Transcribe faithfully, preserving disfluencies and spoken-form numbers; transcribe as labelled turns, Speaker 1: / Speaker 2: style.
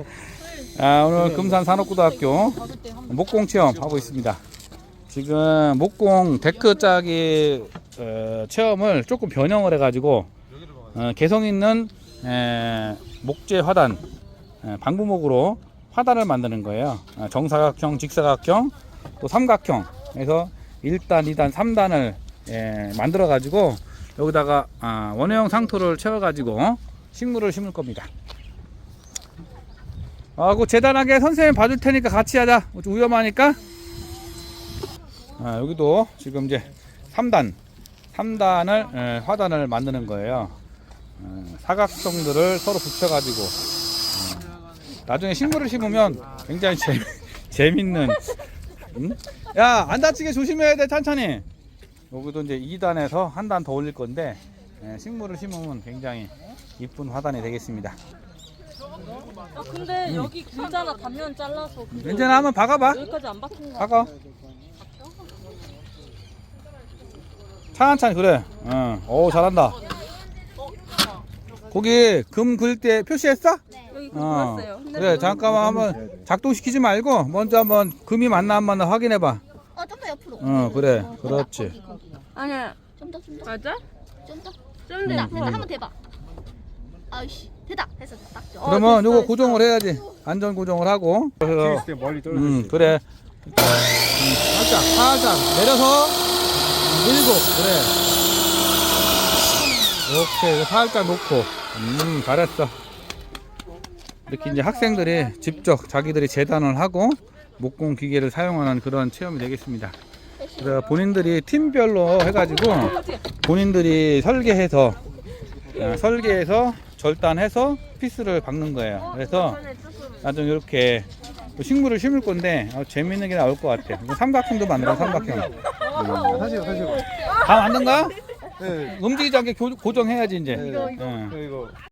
Speaker 1: 아, 오늘 금산 산업고등학교 목공 체험 하고 있습니다. 지금 목공 데크 짜기 어, 체험을 조금 변형을 해가지고 어, 개성 있는 에, 목재 화단 에, 방부목으로 화단을 만드는 거예요. 어, 정사각형, 직사각형, 또 삼각형 해서 일 단, 이 단, 삼 단을 에, 만들어 가지고 여기다가 아, 원형 상토를 채워 가지고 식물을 심을 겁니다. 아, 그 재단하게 선생님 봐줄 테니까 같이 하자. 좀 위험하니까. 아, 여기도 지금 이제 삼 단, 삼 단을 에, 화단을 만드는 거예요. 에, 사각형들을 서로 붙여가지고 에, 나중에 식물을 심으면 굉장히 재미, 재밌는. 응? 야, 안 다치게 조심해야 돼, 천천히. 여기도 이제 이 단에서 한 단 더 올릴 건데 에, 식물을 심으면 굉장히 이쁜 화단이 되겠습니다.
Speaker 2: 아 근데 음. 여기 길잖아. 단면 잘라서.
Speaker 1: 괜찮아, 한번 박아봐.
Speaker 2: 여기까지 안 박힌 거.
Speaker 1: 박아. 천천히. 그래. 응. 오, 잘한다. 거기 금 그릴 때 표시했어?
Speaker 2: 네. 여기
Speaker 1: 어.
Speaker 2: 그렸어요.
Speaker 1: 그래, 잠깐만 한번 작동시키지 말고 먼저 한번 금이 맞나 안 맞나 확인해봐.
Speaker 3: 어, 좀 더 옆으로.
Speaker 1: 어, 그래. 그렇지.
Speaker 2: 아니야.
Speaker 3: 좀 더, 좀 더.
Speaker 2: 맞아?
Speaker 3: 좀 더.
Speaker 2: 좀
Speaker 3: 됐다,
Speaker 2: 더.
Speaker 3: 됐다. 한번 대봐. 아이씨, 됐다. 됐어, 딱 좋아.
Speaker 1: 그러면
Speaker 2: 됐어,
Speaker 1: 요거
Speaker 2: 됐어.
Speaker 1: 고정을 해야지. 안전 고정을 하고. 그래서
Speaker 4: 멀리 떨어져.
Speaker 1: 음, 그래. 음, 살짝, 살짝 내려서 밀고, 그래. 오케이, 살짝 놓고. 음, 잘했어. 이렇게 이제 학생들이 직접 자기들이 재단을 하고 목공 기계를 사용하는 그런 체험이 되겠습니다. 그래서 본인들이 팀별로 해가지고 본인들이 설계해서 어, 설계해서 절단해서 피스를 박는 거예요. 그래서 나중에 이렇게 식물을 심을 건데 어, 재밌는 게 나올 것 같아. 삼각형도 만들어, 삼각형. 음.
Speaker 4: 사실 사실.
Speaker 1: 다 만든가?
Speaker 4: 네.
Speaker 1: 움직이지 않게 교, 고정해야지 이제.
Speaker 4: 네.
Speaker 1: 응.
Speaker 4: 이거